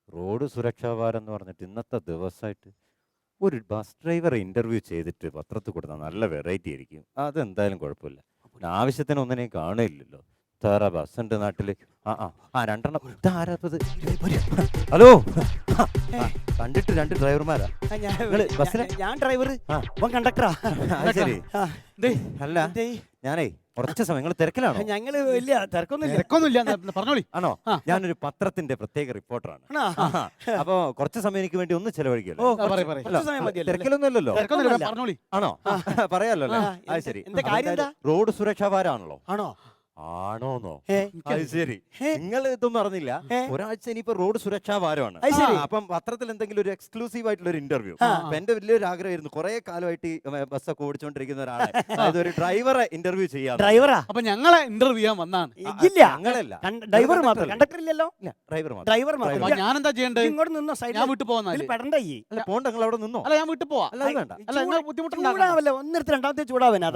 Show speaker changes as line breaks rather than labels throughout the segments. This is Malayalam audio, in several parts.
റോഡ് സുരക്ഷാ വാരം എന്ന് പറഞ്ഞിട്ട് ഇന്നത്തെ ദിവസമായിട്ട് ഒരു ബസ് ഡ്രൈവറെ ഇന്റർവ്യൂ ചെയ്തിട്ട് പത്രത്തിൽ കൊടുത്താൽ നല്ല വെറൈറ്റി ആയിരിക്കും. അതെന്തായാലും കുഴപ്പമില്ല. പിന്നെ ആവശ്യത്തിന് ഒന്നിനെയും കാണില്ലല്ലോ. വേറെ ബസ് ഉണ്ട് നാട്ടില്. രണ്ടെണ്ണം. ഇതാരാപ്പത്? ഹലോ, കണ്ടിട്ട് രണ്ട് ഡ്രൈവർമാരാ ബസ്സിലെ.
ഞാൻ ഡ്രൈവർ, കണ്ടക്ടറാ.
ശരി. അല്ല, ഞാനേ കുറച്ച് സമയം നിങ്ങൾ തിരക്കിലാണോ?
ഞങ്ങള് വലിയ തിരക്കൊന്നുമില്ല.
പറഞ്ഞോളി.
ആണോ? ഞാനൊരു പത്രത്തിന്റെ പ്രത്യേക റിപ്പോർട്ടറാണ്. അപ്പൊ കുറച്ച് സമയം എനിക്ക് വേണ്ടി ഒന്ന് ചെലവഴിക്കുമല്ലോ. തിരക്കിലൊന്നുമല്ലോ.
പറഞ്ഞോളി.
ആണോ? പറയാലോ അല്ലേ? അത് ശരി. റോഡ് സുരക്ഷാ വാരാണല്ലോ.
ആണോ?
ആണോന്നോ? അത് ശരി. നിങ്ങൾ ഇതൊന്നും അറിഞ്ഞില്ല. ഒരാഴ്ച ഇനിയിപ്പോ റോഡ് സുരക്ഷാ വാരമാണ്. അപ്പം പത്രത്തിൽ എന്തെങ്കിലും ഒരു എക്സ്ക്ലൂസീവ് ആയിട്ടുള്ള ഒരു ഇന്റർവ്യൂ. എന്റെ വലിയൊരു ആഗ്രഹമായിരുന്നു, കുറെ കാലമായിട്ട് ബസ്സൊക്കെ ഓടിച്ചുകൊണ്ടിരിക്കുന്ന ഒരാളെ, അതായത് ഒരു ഡ്രൈവറെ ഇന്റർവ്യൂ ചെയ്യാം.
ഡ്രൈവറാ?
അപ്പൊ ഞങ്ങളെ ഇന്റർവ്യൂ ചെയ്യാൻ വന്നാണ്.
ഞങ്ങളല്ല,
ഡ്രൈവർ മാത്രം. കണ്ടക്ടർ ഇല്ലല്ലോ.
ഡ്രൈവർ
മാത്രം. ഞാൻ എന്താ ചെയ്യണ്ടേ?
ഇങ്ങോട്ട് നിന്നോ.
ഞാൻ വീട്ടിൽ പോകുന്ന
പോണ്ട. നിങ്ങൾ അവിടെ നിന്നോ.
അല്ല, ഞാൻ വീട്ടിൽ പോവാ.
അല്ല, വേണ്ട.
അല്ല, നിങ്ങൾ
ബുദ്ധിമുട്ടുണ്ടാവില്ല. ഒന്നിടത്ത് രണ്ടാമത്തെ ചൂടാവനാ.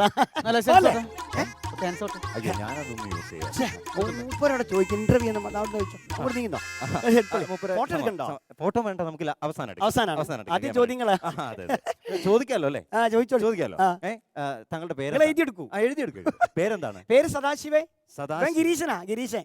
ഞാനതൊന്നും യൂസ് ചെയ്യാം.
ചോദിക്കും ഇന്റർവ്യൂ
ഫോട്ടോ വേണ്ട, നമുക്ക്
അവസാനം ആദ്യം ചോദ്യങ്ങളാ
ചോദിക്കാലോ അല്ലേ?
ചോദിക്കാലോ.
താങ്കളുടെ പേര്
എഴുതിയെടുക്കൂ.
എഴുതിയെടുക്കുക. പേരെന്താണ്?
പേര് സദാശിവേ.
ഗിരീശൻ.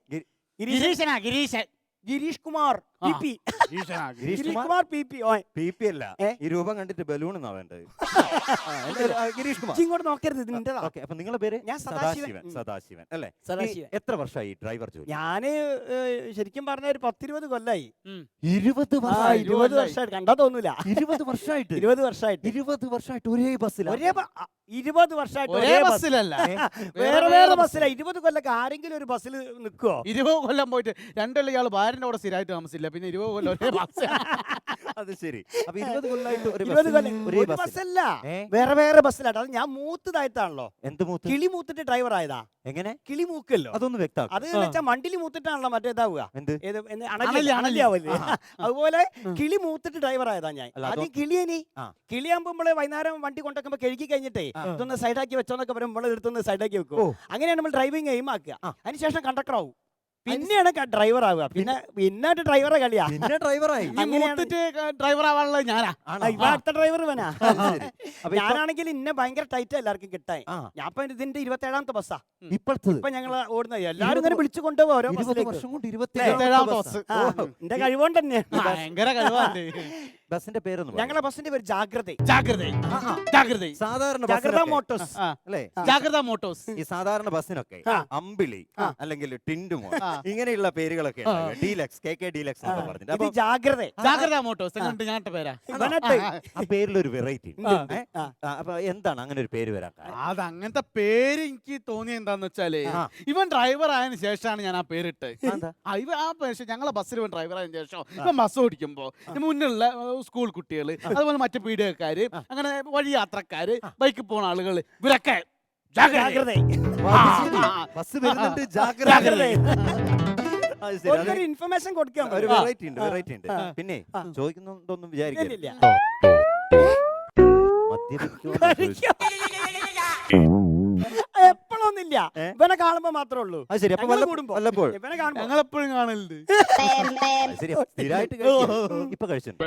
ഗിരീഷ് കുമാർ PP. ഗിരീഷ് കുമാർ PP
അല്ല, ഈ രൂപം കണ്ടിട്ട് ബലൂൺ എന്നാ വേണ്ടത്. ഗിരീഷ് കുമാർ.
ഇങ്ങോട്ട് നോക്കരുത്, ഇതിന്റെ.
അപ്പൊ നിങ്ങളുടെ പേര്?
ഞാൻ
സദാശിവൻ അല്ലേ?
സദാശിവൻ.
എത്ര വർഷമായി ഡ്രൈവർ ജോലി?
ഞാന് ശരിക്കും പറഞ്ഞ ഒരു 10-20 കൊല്ലായി.
20
വർഷമായിട്ട്. കണ്ടാ തോന്നൂല.
20 വർഷമായിട്ട്
20 വർഷമായിട്ട്
ഒരേ ബസ്സിൽ.
20 വർഷമായിട്ട്
ഒരേ ബസ്സിലല്ല,
വേറെ ബസ്സില. 20 കൊല്ലൊക്കെ ആരെങ്കിലും ഒരു ബസ്സിൽ നിൽക്കുവോ?
20 കൊല്ലം പോയിട്ട് 2 കൊല്ലം ഇയാള് ഭാര്യന്റെ കൂടെ സ്ഥിരമായിട്ട് താമസിച്ചില്ല. പിന്നെ 20 കൊല്ലം ഒരേ ബസ്.
അത് ശരി. അപ്പൊ 20 കൊല്ലമായിട്ട്
ഒരു ബസ്സല്ല, വേറെ ബസ്സിലാട്ടോ. അത് ഞാൻ മൂത്തതായിട്ടാണല്ലോ.
എന്ത് മൂത്ത്?
കിളി മൂത്തിട്ട് ഡ്രൈവർ ആയതാ.
എങ്ങനെ
കിളി മൂക്കല്ലോ?
അതൊന്ന് വ്യക്തം.
അത് വെച്ചാൽ മണ്ടിൽ മൂത്തിട്ടാണല്ലോ മറ്റേതാവുക.
അണലിയാവല്ലേ?
അതുപോലെ കിളി മൂത്തിട്ട് ഡ്രൈവർ ആയതാ ഞാൻ. ആദ്യം കിളിയാകുമ്പോ നമ്മള് വൈകുന്നേരം വണ്ടി കൊണ്ടുവെക്കുമ്പോ കഴുകി കഴിഞ്ഞിട്ടേ ഇതൊന്ന് സൈഡാക്കി വെച്ചോന്നൊക്കെ പറയുമ്പോൾ നമ്മൾ എടുത്തൊന്ന് സൈഡാക്കി വെക്കും. അങ്ങനെയാണ് നമ്മൾ ഡ്രൈവിംഗ് എയിം ആക്കുക. അതിനുശേഷം കണ്ടക്ടർ ആവും, പിന്നെയാണ് ഡ്രൈവർ ആവുക. പിന്നെ ഡ്രൈവറെ കളിയാ.
പിന്നെ ഡ്രൈവറായി.
ഡ്രൈവർ ആവാനുള്ളത് ഞാനാ.
അടുത്ത ഡ്രൈവർ ഇവനാ. ഞാനാണെങ്കിൽ ഇന്നെ ഭയങ്കര ടൈറ്റാ എല്ലാവർക്കും കിട്ടാൻ. ഞാൻ ഇപ്പൊ ഇതിന്റെ 27ാമത്തെ ബസ്സാ ഇപ്പൊ ഞങ്ങൾ ഓടുന്നത്. എല്ലാവരും ഇങ്ങനെ വിളിച്ചു കൊണ്ടുപോകും ഓരോ
വർഷം കൊണ്ട്.
27ാമത്തെ ബസ്.
എന്റെ കഴിവുകൊണ്ട് തന്നെ.
ഭയങ്കര കഴിവാണ്.
ബസിന്റെ പേരൊന്നും?
ഞങ്ങളെ ബസിന്റെ പേര് ജാഗ്രത.
സാധാരണ
ജാഗ്രത മോട്ടോഴ്സ്
അല്ലേ?
ജാഗ്രത മോട്ടോഴ്സ്.
ഈ സാധാരണ ബസ്സിനൊക്കെ അമ്പിളി അല്ലെങ്കിൽ ടിൻഡുമോ ഇങ്ങനെയുള്ള പേരുകളൊക്കെ ഡീലക്സ്, KK ഡീലക്സ് എന്നൊക്കെ പറഞ്ഞിട്ട്.
ജാഗ്രത മോട്ടോഴ്സ് ഞങ്ങളുടെ പേരാ.
ആ പേരിലൊരു വെറൈറ്റി. അപ്പൊ എന്താണ് അങ്ങനെ ഒരു പേര് വരാൻ?
അത് അങ്ങനത്തെ പേര് എനിക്ക് തോന്നിയ എന്താന്ന് വെച്ചാല്, ഇവൻ ഡ്രൈവർ ആയതിനു ശേഷമാണ് ഞാൻ ആ പേരിട്ട്. ഞങ്ങളെ ബസ്സിൽ ഇവൻ ഡ്രൈവർ ആയതിനു ശേഷം ഇവൻ ബസ് ഓടിക്കുമ്പോ മുന്നിലുള്ള സ്കൂൾ കുട്ടികള്, അതുപോലെ മറ്റു പീഡികക്കാര്, അങ്ങനെ വഴി യാത്രക്കാര്, ബൈക്കിൽ പോണ ആളുകള്, ഇവരൊക്കെ
ഇൻഫർമേഷൻ കൊടുക്കാൻ
ഒരു വെറൈറ്റി ഉണ്ട്. പിന്നെ ചോദിക്കുന്നുണ്ടോന്നും വിചാരിക്കില്ല.
എപ്പോഴൊന്നുമില്ല, ഇവനെ കാണുമ്പോ മാത്രമേ ഉള്ളൂ.
വല്ലപ്പോഴും
ഞങ്ങളെപ്പോഴും കാണലുണ്ട്.
ഇപ്പൊ കഴിച്ചിട്ടുണ്ട്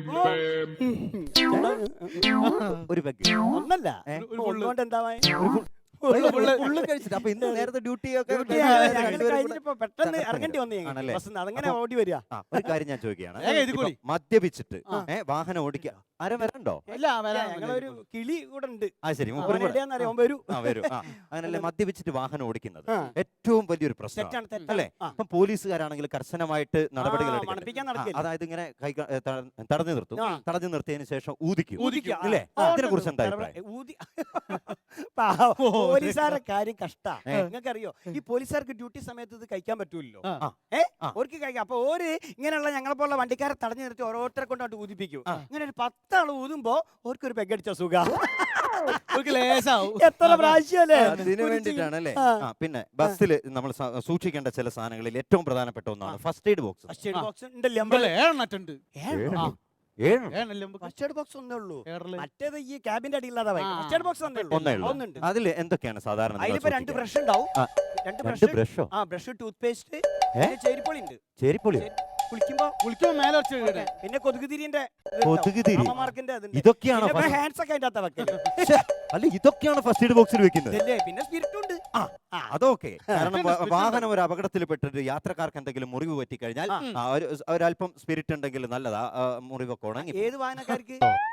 ഒരു
ഒന്നല്ല എന്താ
കഴിച്ചിട്ട്. അപ്പൊ ഇന്ന് നേരത്തെ ഡ്യൂട്ടി ഒക്കെ
പെട്ടെന്ന് ഇറങ്ങേണ്ടി വന്നേ. അതങ്ങനെ ഓടി വരിക.
ഒരു കാര്യം ഞാൻ ചോദിക്കുകയാണ്, മദ്യപിച്ചിട്ട് വാഹനം ഓടിക്കുക ആരും വരണ്ടോ?
ഞങ്ങളൊരു കിളി കൂടെ ഉണ്ട്.
ശരി, അങ്ങനല്ലേ മദ്യപിച്ചിട്ട് വാഹനം ഓടിക്കുന്നത് ഏറ്റവും വലിയൊരു പ്രശ്നമാണ് അല്ലേ? അപ്പൊ പോലീസുകാരാണെങ്കിൽ കർശനമായിട്ട് നടപടികൾ എടുക്കണം. അതായത് ഇങ്ങനെ തടഞ്ഞു നിർത്തിയതിനു ശേഷം ഊതിക്കും അല്ലേ? ഇതിനെ കുറിച്ച് എന്താ അഭിപ്രായം?
പോലീസുകാരുടെ കാര്യം കഷ്ടാ. നിങ്ങൾക്കറിയോ, ഈ പോലീസുകാർക്ക് ഡ്യൂട്ടി സമയത്ത് ഇത് കഴിക്കാൻ പറ്റൂല്ലോ. ഓർക്ക് കഴിക്കാം. അപ്പൊ ഓര് ഇങ്ങനെയുള്ള ഞങ്ങളെ പോലുള്ള വണ്ടിക്കാരെ തടഞ്ഞു നിർത്തി ഓരോരുത്തരെ കൊണ്ടോട്ട് ഊതിപ്പിക്കും. ഇങ്ങനെ ഒരു 10 ആള് ഊതുമ്പോ ഓർക്കൊരു പെഗടിച്ച സുഖ. എത്ര പ്രാവശ്യമല്ലേ?
അതിനു വേണ്ടിട്ടാണല്ലേ. പിന്നെ ബസ്സിൽ നമ്മൾ സൂക്ഷിക്കേണ്ട ചില സാധനങ്ങളിൽ ഏറ്റവും പ്രധാനപ്പെട്ട ഒന്നാണ് first aid box.
First aid box ഉണ്ടല്ലേ? ഫസ്റ്റ് എയ്ഡ് ബോക്സ് ഒന്നേ ഉള്ളൂ. മറ്റേത് ഈ ക്യാബിന്റെ അടിയില്ലാതെ ഫസ്റ്റ് എയ്ഡ് ബോക്സ് ഒന്നുണ്ട്.
അതിൽ എന്തൊക്കെയാണ് സാധാരണ?
അതിലിപ്പോ 2 ബ്രഷ് ഉണ്ടാവും. 2 ബ്രഷ്, ടൂത്ത് പേസ്റ്റ്, ചേരിപ്പൊളി ഉണ്ട്.
ചേരിപ്പൊളി
കുളിക്കുമ്പോ മേലെ വെച്ച് വീട്.
പിന്നെ കൊതുകുതിരിന്റെ
കൊതുകുതിരി?
അമ്മമാർക്കിന്റെ
ഇതൊക്കെയാണോ
ഹാൻഡ്സ് ഒക്കെ അതിന്റെ അകത്താ വെക്കല്.
അല്ല ഇതൊക്കെയാണ് ഫസ്റ്റ് എയ്ഡ് ബോക്സിൽ വെക്കുന്നത്?
ഇതല്ലേ, പിന്നെ സ്പിരിറ്റ് ഉണ്ട്.
അതൊക്കെ കാരണം വാഹനം ഒരു അപകടത്തിൽ പെട്ടിട്ട് യാത്രക്കാർക്ക് എന്തെങ്കിലും മുറിവ് പറ്റിക്കഴിഞ്ഞാൽ ഒരല്പം സ്പിരിറ്റ് ഉണ്ടെങ്കിൽ നല്ലതാ, മുറിവൊക്കെ ഉണങ്ങി.
ഏത് വാഹനക്കാർക്ക്?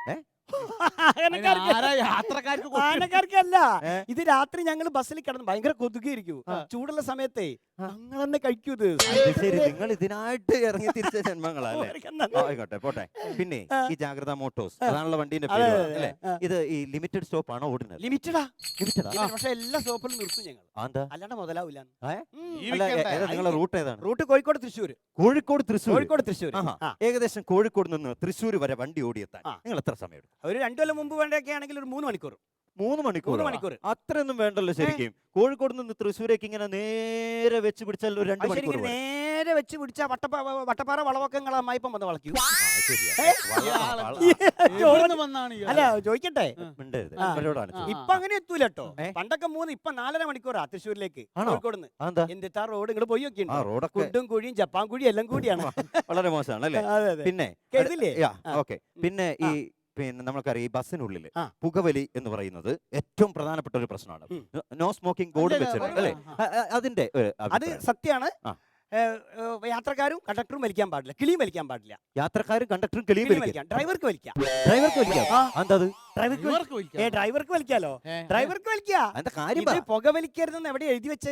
ആരാ യാത്രക്കാർക്ക്
വാഹനക്കാർക്കല്ല. ഇത് രാത്രി ഞങ്ങൾ ബസ്സിൽ കിടന്ന് ഭയങ്കര കൊതുകിയിരിക്കും. ചൂടുള്ള സമയത്തെ ഞങ്ങൾ തന്നെ കഴിക്കൂ ഇത്.
ശരി, നിങ്ങൾ ഇതിനായിട്ട് ഇറങ്ങി തിരിച്ച ജന്മങ്ങളല്ലേ? ആയിക്കോട്ടെ, പോട്ടെ. പിന്നെ ഈ ജാഗ്രത മോട്ടോഴ്സ് അതാണല്ലോ വണ്ടീന്റെ പേര് അല്ലേ? ഇത് ഈ ലിമിറ്റഡ് സ്റ്റോപ്പ് ആണോ ഓടുന്നത്?
ലിമിറ്റഡാ.
ലിമിറ്റഡാ?
പക്ഷെ എല്ലാ സ്റ്റോപ്പിലും നിർത്തും ഞങ്ങൾ.
എന്താ?
അല്ലാണ്ട് മുതലാവില്ല.
നിങ്ങളെ റൂട്ട് ഏതാണ്?
റൂട്ട് കോഴിക്കോട് തൃശ്ശൂർ.
കോഴിക്കോട് തൃശ്ശൂർ.
കോഴിക്കോട് തൃശ്ശൂർ.
ഏകദേശം കോഴിക്കോട് നിന്ന് തൃശ്ശൂർ വരെ വണ്ടി ഓടിയെത്താൻ നിങ്ങൾ എത്ര സമയം എടുക്കും?
ഒരു 2 കൊല്ലം മുമ്പ് വേണ്ടൊക്കെ ആണെങ്കിൽ ഒരു 3 മണിക്കൂർ.
3 മണിക്കൂർ? അത്രയൊന്നും വേണ്ടല്ലോ ശരിക്കും. കോഴിക്കോട് നിന്ന് തൃശ്ശൂരേക്ക് ഇങ്ങനെ നേരെ വെച്ച് പിടിച്ചാൽ ഒരു 2 മണിക്കൂർ.
നേരെ വെച്ച് പിടിച്ചാ വട്ടപ്പാറ വളവൊക്കെ നിങ്ങളെ അമ്മായിപ്പം വന്ന് വളയ്ക്കും. അല്ല ചോദിക്കട്ടെ, ഇപ്പൊ അങ്ങനെ എത്തൂല കേട്ടോ. പണ്ടൊക്കെ 3, ഇപ്പൊ 4.5 മണിക്കൂറാ തൃശ്ശൂരിലേക്ക് കോഴിക്കോട് നിന്ന്. എന്തിട്ടാ റോഡ് ഇങ്ങോട്ട് പോയി നോക്കിയുണ്ട്. കുണ്ടും കുഴിയും ജപ്പാൻ കുഴി എല്ലാം കൂടിയാണ്.
വളരെ മോശമാണ് അല്ലേ? പിന്നെ ഓക്കെ. പിന്നെ നമ്മൾക്കറിയാം ഈ ബസ്സിനുള്ളിൽ പുകവലി എന്ന് പറയുന്നത് ഏറ്റവും പ്രധാനപ്പെട്ട ഒരു പ്രശ്നമാണ്. നോ സ്മോക്കിംഗ് ബോർഡ് വെച്ചിട്ടുണ്ട് അല്ലേ? അതിന്റെ
അത് സത്യമാണ്. യാത്രക്കാരും കണ്ടക്ടറും വലിക്കാൻ പാടില്ല, കിളിയും വലിക്കാൻ പാടില്ല.
യാത്രക്കാരും കണ്ടക്ടറും കിളിയും വലിക്കാം.
ഡ്രൈവർക്ക് വലിക്കാം. ഡ്രൈവർക്ക് വലിക്കാലോ. ഡ്രൈവർക്ക് വലിക്കാം. പുക വലിക്കരുതെന്ന് എവിടെ എഴുതി വെച്ചേ?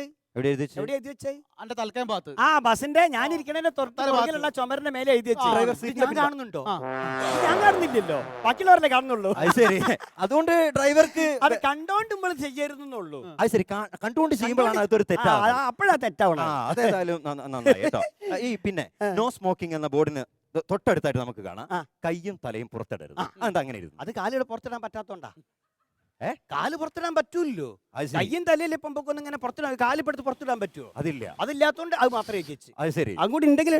ബസിന്റെ ഞാൻ ഇരിക്കണേന്റെ തൊട്ടുള്ള ചുമരിന്റെ മേലെ എഴുതി വെച്ചു. ഞാൻ കാണുന്നുണ്ടോ? ഞാൻ കാണുന്നില്ലല്ലോ, ബാക്കിയുള്ളവരല്ലേ കാണുന്നുള്ളൂ.
ശരി, അതുകൊണ്ട് ഡ്രൈവർക്ക്
അത് കണ്ടോണ്ട് നമ്മൾ ചെയ്യരുതെന്നുള്ളൂ.
അത് ശരി, കണ്ടുകൊണ്ട് ചെയ്യുമ്പോഴാണ് അതൊരു തെറ്റാണ്.
അപ്പോഴാ തെറ്റാവണം.
അതേതായാലും നന്നായി കേട്ടോ. ഈ പിന്നെ നോ സ്മോക്കിംഗ് എന്ന ബോർഡിന് തൊട്ടടുത്തായിട്ട് നമുക്ക് കാണാം കയ്യും തലയും പുറത്തിടരുത്. അതെന്താ അങ്ങനെ ഇരുന്നു?
അത് കാലിയുടെ പുറത്തിടാൻ പറ്റാത്തോണ്ടാ. കാല് പുറത്തിടാൻ പറ്റൂല്ലോ. കയ്യും തലയിലെ പൊമ്പൊക്കൊന്നും ഇങ്ങനെ പുറത്തിടാൻ, കാലിപ്പെടുത്ത് പുറത്തിടാൻ പറ്റുമോ?
അതില്ല.
അതില്ലാത്തോണ്ട് അത് മാത്രമേ വെച്ചു.
അത് ശരി,
അങ്ങോട്ട് ഉണ്ടെങ്കിൽ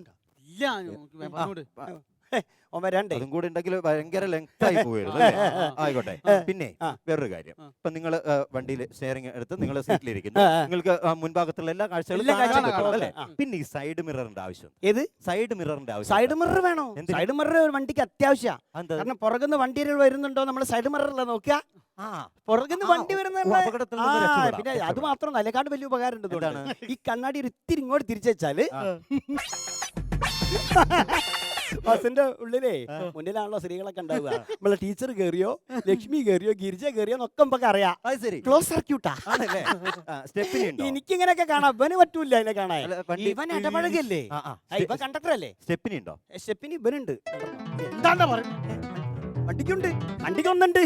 അതും കൂടെ ഉണ്ടെങ്കിൽ ഭയങ്കര ലെങ്ത് ആയി പോയിരുന്നു. ആയിക്കോട്ടെ. പിന്നെ വേറൊരു കാര്യം, ഇപ്പൊ നിങ്ങൾ വണ്ടിയിൽ ഷെയറിംഗ് എടുത്ത് നിങ്ങൾ സീറ്റിലിരിക്കുന്നു, നിങ്ങൾക്ക് മുൻഭാഗത്തുള്ള എല്ലാ കാഴ്ചകളും കാണാൻ പറ്റും അല്ലേ? പിന്നെ ഈ സൈഡ് മിററിന്റെ ആവശ്യം.
ഏത് സൈഡ് മിററിന്റെ ആവശ്യം? സൈഡ് മിറർ വേണോ? സൈഡ് മിറർ ഒരു വണ്ടിക്ക് അത്യാവശ്യമാണ്. കാരണം പുറകുന്ന് വണ്ടികൾ വരുന്നുണ്ടോ നമ്മൾ സൈഡ് മിററില്ല നോക്കുക. പുറകുന്ന് വണ്ടി വരുന്ന പിന്നെ അത് മാത്രം അതിനെക്കാണ്ട് വലിയ ഉപകാരം ഉണ്ട്. ഈ കണ്ണാടി ഒരു ഇത്തിരി ഇങ്ങോട്ട് തിരിച്ചു വെച്ചാല് ബസിന്റെ ഉള്ളിലേ മുന്നിലാണല്ലോ സ്ത്രീകളൊക്കെ ഉണ്ടാവുക. നമ്മളെ ടീച്ചർ കേറിയോ, ലക്ഷ്മി കേറിയോ, ഗിരിജ കേറിയോ എന്നൊക്കെ നമുക്ക് അറിയാം. ക്ലോസ് സർക്യൂട്ടാ. എനിക്കിങ്ങനെയൊക്കെ കാണാം. ഇവന് പറ്റൂല അതിനെ കാണാൻ. ഇവൻ ഇടപഴകല്ലേ, ഇവൻ കണ്ടക്ടർ അല്ലേ. സ്റ്റെപ്പിനി ഉണ്ടോ? സ്റ്റെപ്പിനി ഇവനുണ്ട്. എന്താണ്ടാ പറയുന്നത്? വണ്ടിക്കുണ്ട്, വണ്ടിക്കൊന്നുണ്ട്.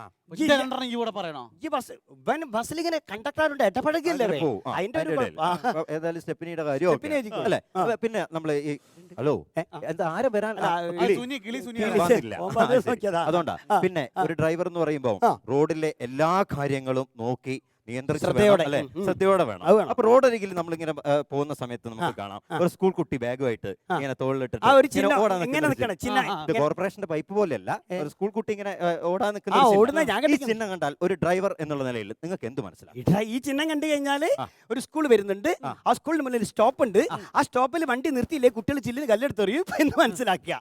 ബസ്സിൽ ഇങ്ങനെ കണ്ടക്ടറുണ്ട്, ഇടപഴകല്ലേ.
അതിന്റെ സ്റ്റെപ്പിനിയുടെ കാര്യം. പിന്നെ നമ്മള് ഹലോ എന്താ ആരും വരാൻ അതുകൊണ്ടാ. പിന്നെ ഒരു ഡ്രൈവർ എന്ന് പറയുമ്പോ റോഡിലെ എല്ലാ കാര്യങ്ങളും നോക്കി ശ്രദ്ധയോടെ വേണം. അപ്പൊ റോഡരികിൽ നമ്മളിങ്ങനെ പോകുന്ന സമയത്ത് നമുക്ക് കാണാം ഒരു സ്കൂൾ കുട്ടി ബാഗുമായിട്ട് ഇങ്ങനെ തോളിലിട്ട് കോർപ്പറേഷന്റെ പൈപ്പ് പോലെയല്ല, ഒരു സ്കൂൾ കുട്ടി ഇങ്ങനെ ഓടാൻ നിൽക്കുന്ന ഈ ചിഹ്നം കണ്ടാൽ ഒരു ഡ്രൈവർ എന്നുള്ള നിലയിൽ നിങ്ങൾക്ക് എന്ത് മനസ്സിലാവും?
ഈ ചിഹ്നം കണ്ടു കഴിഞ്ഞാല് ഒരു സ്കൂൾ വരുന്നുണ്ട്, ആ സ്കൂളിന് മുന്നിൽ സ്റ്റോപ്പ് ഉണ്ട്, ആ സ്റ്റോപ്പിൽ വണ്ടി നിർത്തിയില്ലേ കുട്ടികൾ ചില്ലിന് കല്ലെടുത്തെറിയും എന്ന് മനസ്സിലാക്കുക.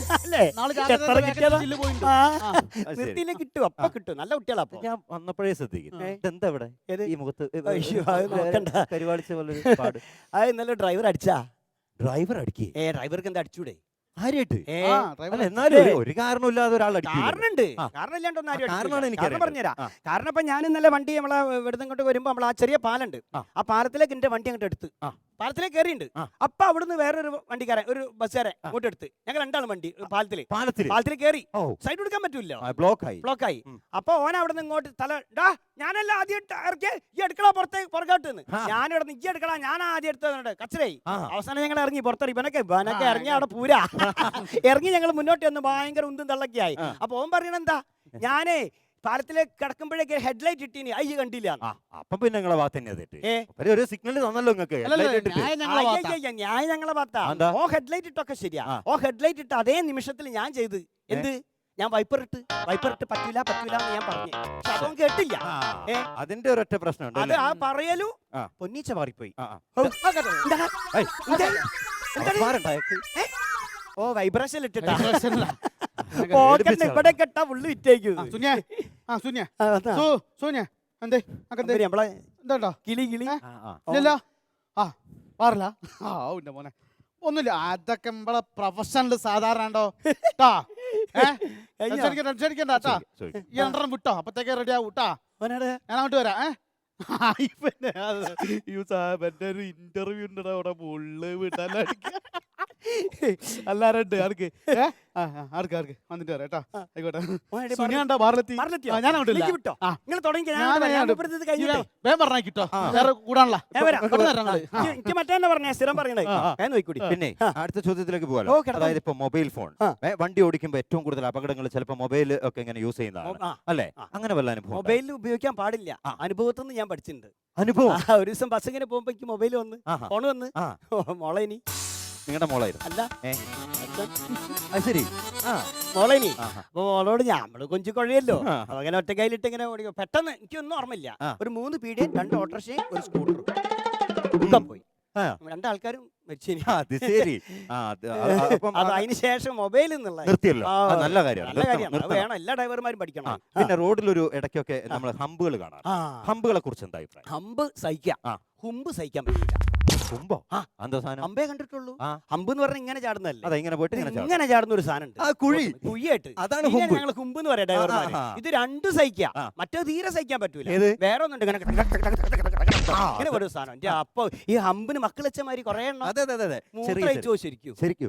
നിർത്തിയില്ലേ കിട്ടും, അപ്പൊ കിട്ടും. നല്ല കുട്ടികളാ.
ഞാൻ വന്നപ്പോഴേ ശ്രദ്ധിക്കും എന്താ ഇവിടെ ഈ മുഖത്ത് പരിപാടിച്ച പോലെ പാട്.
അത് ഇന്നലെ ഡ്രൈവർ അടിച്ചാ.
ഡ്രൈവർ അടിക്കേ?
ഡ്രൈവർക്ക് എന്താ അടിച്ചൂടെ?
ആരായിട്ട്? എന്നാലും ഒരു കാരണമില്ലാതെ ഒരാൾ
കാരണമുണ്ട്. കാരണമില്ലാണ്ടൊന്നും എനിക്ക് പറഞ്ഞുതരാം. കാരണം ഇപ്പൊ ഞാൻ ഇന്നലെ വണ്ടി നമ്മളെ ഇവിടുന്ന് ഇങ്ങോട്ട് വരുമ്പോ നമ്മൾ ആ ചെറിയ പാലുണ്ട്, ആ പാലത്തിലേക്ക് എന്റെ വണ്ടി അങ്ങോട്ട് എടുത്ത് പാലത്തിലേക്ക് കയറിയുണ്ട്. അപ്പൊ അവിടുന്ന് വേറൊരു വണ്ടിക്കാരൻ, ഒരു ബസ്സുകാരൻ അങ്ങോട്ട് എടുത്ത് ഞങ്ങൾ രണ്ടാളും വണ്ടി പാലത്തിൽ കയറി. സൈഡ് കൊടുക്കാൻ പറ്റൂല്ലോ, ബ്ലോക്കായി. അപ്പൊ ഓൻ അവിടെ നിന്ന് ഇങ്ങോട്ട് തല ഞാനല്ല ആദ്യം ഇറക്കിയ ഈ എടുക്കളാ പുറകോട്ട് നിന്ന് ഞാനിവിടെ നിന്ന് ഈ എടുക്കളാ ഞാൻ ആദ്യം എടുത്തത് കച്ചറായി. അവസാനം ഞങ്ങൾ ഇറങ്ങി പുറത്തോട്ട്. ഇവനൊക്കെ ഇറങ്ങി അവിടെ പൂരാ ഇറങ്ങി ഞങ്ങൾ മുന്നോട്ട് വന്ന് ഭയങ്കര ഉന്തും തള്ളൊക്കെയായി. അപ്പൊ ഓൻ പറയണെന്താ, ഞാനേ പാലത്തിലേക്ക് കിടക്കുമ്പോഴേക്ക് ഹെഡ്ലൈറ്റ് ഇട്ടീനി, അയ്യ കണ്ടില്ല.
അപ്പൊ പിന്നെ നിങ്ങളെ ഭാഗത്ത് ഒരു സിഗ്നൽ തന്നല്ലോ നിങ്ങൾക്ക്.
ഞാൻ ഞങ്ങളെ ഭാഗത്താ. ഓ ഹെഡ്ലൈറ്റ് ഇട്ടൊക്കെ ശരിയാ. ഓ ഹെഡ്ലൈറ്റ് ഇട്ട് അതേ നിമിഷത്തിൽ ഞാൻ ചെയ്ത് എന്ത്, ഞാൻ വൈപ്പർ ഇട്ട് പറ്റൂല എന്ന് ഞാൻ പറഞ്ഞു. അതൊന്നും കേട്ടില്ല.
അതിന്റെ ഒരൊറ്റ പ്രശ്നമുണ്ട്.
അത് ആ പറയലു പൊന്നീച്ച മാറിപ്പോയി. ഓ വൈബ്രേഷൻ ഇട്ടിട്ടാ
Vibration ലാ.
പോക്കറ്റ് ഇവിടെ കെട്ടാ ഉള്ളു വിറ്റേക്കും
സുനിയ സുനിയ സൂന്യ എന്തേ അക്കെന്തേ
നമ്മളെ
എന്താ
കിളി കിളി
ഇല്ലല്ലോ ആ പാറില്ല ആ ഉന്റെ മോനെ ഒന്നുമില്ല അതൊക്കെ നമ്മളെ പ്രൊഫഷണൽ സാധാരണ ഉണ്ടോ ട്ടാ ടെൻഷനിക്കണ്ട ട്ടാ ഈ രണ്ടെണ്ണം വിട്ടോ അപ്പത്തേക്ക് റെഡി ആവും ട്ടാ ഞാൻ അങ്ങോട്ട് വരാം ഒരു ഇന്റർവ്യൂ ഉണ്ടോ അവിടെ മുള്ള് വിടാനടിക്ക എല്ലാരും ഉണ്ട് ആർക്ക് ആർക്ക് ആർക്ക് വന്നിട്ട് വരാം കേട്ടോ ആയിക്കോട്ടെ സുനിയാണ്ടോ ബാറിലെത്തി ഞാൻ അങ്ങോട്ടില്ല
വിട്ടോ നിങ്ങൾ തുടങ്ങി
വേഗം പറഞ്ഞാ കിട്ടോ വേറെ കൂടാനുള്ള
എനിക്ക് മറ്റേ പറഞ്ഞ സ്ഥിരം പറയണേ നോക്കൂടി
പിന്നെ അടുത്ത ചോദ്യത്തിലേക്ക് പോകാലോ. അതായത് ഇപ്പൊ മൊബൈൽ ഫോൺ വണ്ടി ഓടിക്കുമ്പോ ഏറ്റവും കൂടുതൽ അപകടങ്ങൾ ചിലപ്പോൾ മൊബൈൽ ഒക്കെ ഇങ്ങനെ യൂസ് ചെയ്യുന്നതാണ് അല്ലേ? അങ്ങനെ വല്ല അനുഭവം?
മൊബൈൽ ഉപയോഗിക്കാൻ പാടില്ല. അനുഭവത്തിൽ നിന്ന് ഞാൻ പഠിച്ചിട്ടുണ്ട്.
അനുഭവം
ഒരു ദിവസം ബസ് ഇങ്ങനെ പോകുമ്പോ എനിക്ക് മൊബൈൽ വന്ന് ഫോൺ വന്ന് മോളെ ഇനി
നിങ്ങളുടെ മോളായിരുന്നു
അല്ല
ശരി
മോളേനി അപ്പൊ മോളോട് നമ്മള് കൊഞ്ചു കൊഴയല്ലോ അങ്ങനെ ഒറ്റ കയ്യിലിട്ട് ഇങ്ങനെ ഓടിക്കും. പെട്ടെന്ന് എനിക്കൊന്നും ഓർമ്മയില്ല. ഒരു 3 പീഡിയൻ 2 ഓട്ടോറിക്ഷയും ഒരു സ്കൂട്ടറും പോയി. 2 ആൾക്കാരും മരിച്ചു. അതിന് ശേഷം മൊബൈൽ
നിർത്തിയല്ലോ. നല്ല
കാര്യമാണ്. വേണം, എല്ലാ ഡ്രൈവർമാരും പഠിക്കണം.
പിന്നെ റോഡിലൊരു ഇടയ്ക്കൊക്കെ നമ്മൾ ഹമ്പുകൾ കാണാം. ഹമ്പുകളെ കുറിച്ച് എന്താ അഭിപ്രായം?
ഹമ്പ് സഹിക്കാം, ഹുമ്പ് സഹിക്കാൻ പറ്റില്ല. ഹമ്പേ കണ്ടിട്ടുള്ളൂ. ഹമ്പ് എന്ന് പറഞ്ഞാൽ ഇങ്ങനെ ചാടുന്നല്ലേ? ഇങ്ങനെ ചാടുന്ന ഒരു സാധനം ഉണ്ട്, കുഴിയായിട്ട്. അതാണ് ഞങ്ങൾ ഹുമ്പ് എന്ന് പറയാം ഡ്രൈവർമാർ. ഇത് 2 സഹിക്കാം, മറ്റേ തീരെ സഹിക്കാൻ പറ്റൂല. വേറെ ഒന്നുണ്ട് ഇങ്ങനെ ഒരു സാധനം. അപ്പൊ ഈ ഹമ്പിന് മക്കളച്ചമാരി കൊറേ എണ്ണം ശരിക്കും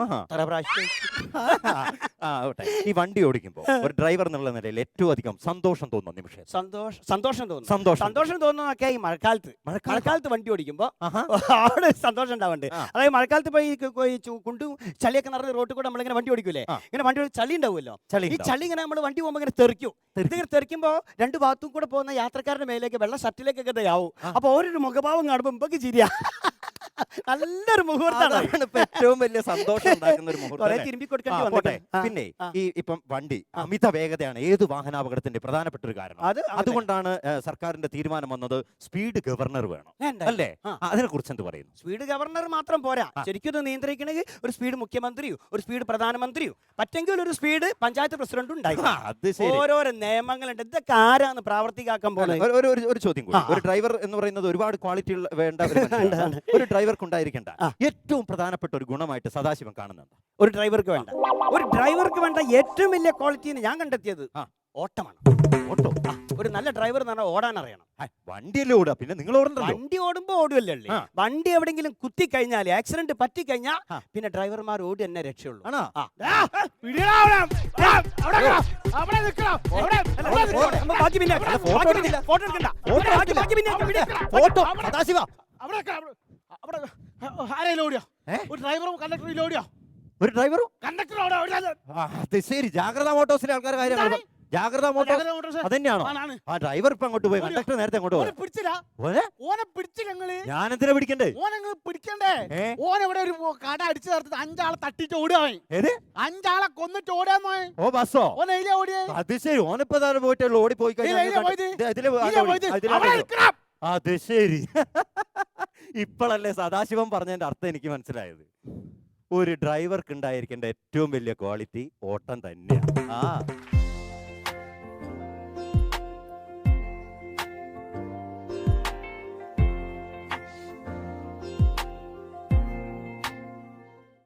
ഈ വണ്ടി ഓടിക്കുമ്പോ ഒരു ഡ്രൈവർ എന്നുള്ള നിലയിൽ ഏറ്റവും അധികം സന്തോഷം തോന്നുന്ന നിമിഷം?
സന്തോഷം തോന്നുന്നതൊക്കെ ഈ മഴക്കാലത്ത് വണ്ടി ഓടിക്കുമ്പോ അവിടെ സന്തോഷം ഉണ്ടാവുന്നുണ്ട്. അതായത് മഴക്കാലത്ത് പോയി കുണ്ടും ചളിയൊക്കെ നിറഞ്ഞ റോട്ടിൽ കൂടെ നമ്മളിങ്ങനെ വണ്ടി ഓടിക്കൂലേ, ഇങ്ങനെ വണ്ടി ചളി ഉണ്ടാവുമല്ലോ. ഈ ചളി ഇങ്ങനെ നമ്മൾ വണ്ടി പോകുമ്പോൾ ഇങ്ങനെ തെറിക്കും. ഇതിങ്ങനെ തെറിക്കുമ്പോ 2 ഭാഗത്തും കൂടെ പോകുന്ന യാത്രക്കാരുടെ മേലേക്ക് വെള്ള ഷർട്ടിലേക്കൊക്കെ ആവും. അപ്പൊ ഓരോരു മുഖഭാവം കാണുമ്പോ ഇമ്പക്ക് ചിരിയാ. നല്ലൊരു മുഹൂർത്തമാണ്,
ഏറ്റവും വലിയ സന്തോഷം ഉണ്ടാക്കുന്ന ഒരു മുഹൂർത്തം.
തിരുമ്പി കൊടുക്കേണ്ടി വന്നോട്ടെ.
പിന്നെ ഈ ഇപ്പം വണ്ടി അമിത വേഗതയാണ് ഏത് വാഹനാപകടത്തിന്റെ പ്രധാനപ്പെട്ട ഒരു കാരണം. അതുകൊണ്ടാണ് സർക്കാരിന്റെ തീരുമാനം വന്നത് സ്പീഡ് ഗവർണർ വേണം അല്ലേ? അതിനെ കുറിച്ച് എന്ത് പറയുന്നു?
സ്പീഡ് ഗവർണർ മാത്രം പോരാ, ശരിക്കും ഇത് നിയന്ത്രിക്കണമെങ്കിൽ ഒരു സ്പീഡ് മുഖ്യമന്ത്രിയോ ഒരു സ്പീഡ് പ്രധാനമന്ത്രിയോ പറ്റെങ്കിൽ ഒരു സ്പീഡ് പഞ്ചായത്ത് പ്രസിഡന്റും ഉണ്ടായി. ഓരോരോ നിയമങ്ങളുണ്ട്. ഇതൊക്കെ ആരാണ് പ്രാവർത്തികാക്കാൻ പോകുന്നത്?
ഒരു ചോദ്യം കൂടി. ഒരു ഡ്രൈവർ എന്ന് പറയുന്നത് ഒരുപാട് ക്വാളിറ്റി വേണ്ട ഒരു ഡ്രൈവർക്ക് ഉണ്ടായിരിക്കേണ്ട ഏറ്റവും പ്രധാനപ്പെട്ട ഒരു ഗുണമായിട്ട് സദാശിവം കാണുന്നുണ്ട്.
ഒരു ഡ്രൈവർക്ക് വേണ്ട ഏറ്റവും വലിയ ക്വാളിറ്റി ഞാൻ കണ്ടെത്തിയത് ഓട്ടമാണ്. ഓട്ടോ ഒരു നല്ല ഡ്രൈവർ എന്ന് പറഞ്ഞാൽ ഓടാൻ അറിയണം.
വണ്ടിയല്ലേ ഓടുക, പിന്നെ നിങ്ങൾ
വണ്ടി ഓടുമ്പോ ഓടുവല്ലേ. വണ്ടി എവിടെങ്കിലും കുത്തി കഴിഞ്ഞാൽ ആക്സിഡന്റ് പറ്റി കഴിഞ്ഞാൽ പിന്നെ ഡ്രൈവർമാർ ഓടി തന്നെ രക്ഷയുള്ളൂ.
ഒരു ഡ്രൈവറും ശരി. ജാഗ്രത മോട്ടോഴ്സിലെ ആൾക്കാർ കാര്യമാണ്. ജാഗ്രത മോട്ടോഴ്സ് അതന്നെയാണോ? ആ ഡ്രൈവർ ഇപ്പൊ അങ്ങോട്ട് പോയി, കണ്ടക്ടർ നേരത്തെ അങ്ങോട്ട് പോയി. ഞാൻ എന്തിനാ പിടിക്കണ്ടേ?
ഓൻ ഇവിടെ ഒരു കട അടിച്ചു ചേർത്ത് 5 ആളെ തട്ടിട്ട് ഓടുകയാണ്. 5 ആളെ കൊന്നിട്ട് ഓടാന്ന്.
ഓ ബസ്സോ?
ഓടിയേ.
അത് ശരി. ഓനിപ്പോ പോയിട്ട് ഓടി പോയി അത് ശരി. ഇപ്പോഴല്ലേ സദാശിവം പറഞ്ഞതിന്റെ അർത്ഥം എനിക്ക് മനസ്സിലായത്. ഒരു ഡ്രൈവർക്ക് ഉണ്ടായിരിക്കേണ്ട ഏറ്റവും വലിയ ക്വാളിറ്റി ഓട്ടം തന്നെയാണ്.